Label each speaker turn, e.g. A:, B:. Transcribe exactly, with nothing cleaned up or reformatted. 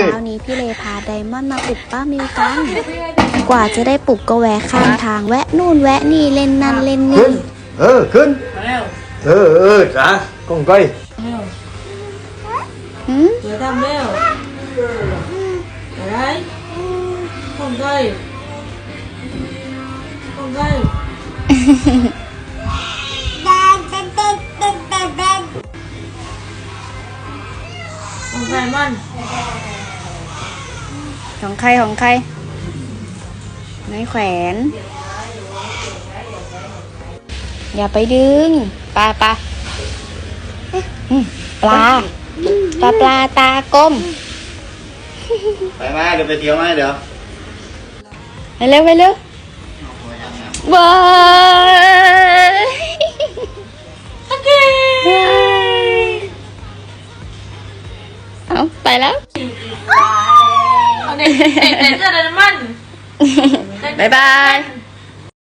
A: ช้านี้พี่เลพาไดมอนด์มาปลุกป้ามิวกันกว่าจะได้ปลุกก็แวะข้างทางแวะนู่นแวะนี่เล่นนั่นเล่นนี่
B: เออขึ้นเออเออจ้ะกงก้อย
A: หืม
C: เดี๋ยวทำเร็วอะไรกงก้อยกงก้อยของใครมัน
A: ของใครของใครไม่แขวนอย่าไปดึงปลาปลาปลาปลาปลาตากลม
B: ไปมาเดี๋ยวไปเที่ยวมาเดี๋ยว
A: ไปเร็วไปเร็วว้ายโอเคเอาไปแล้ว
C: เอาเด็กเด็กเด็กเด็กมัน
A: บ๊ายบาย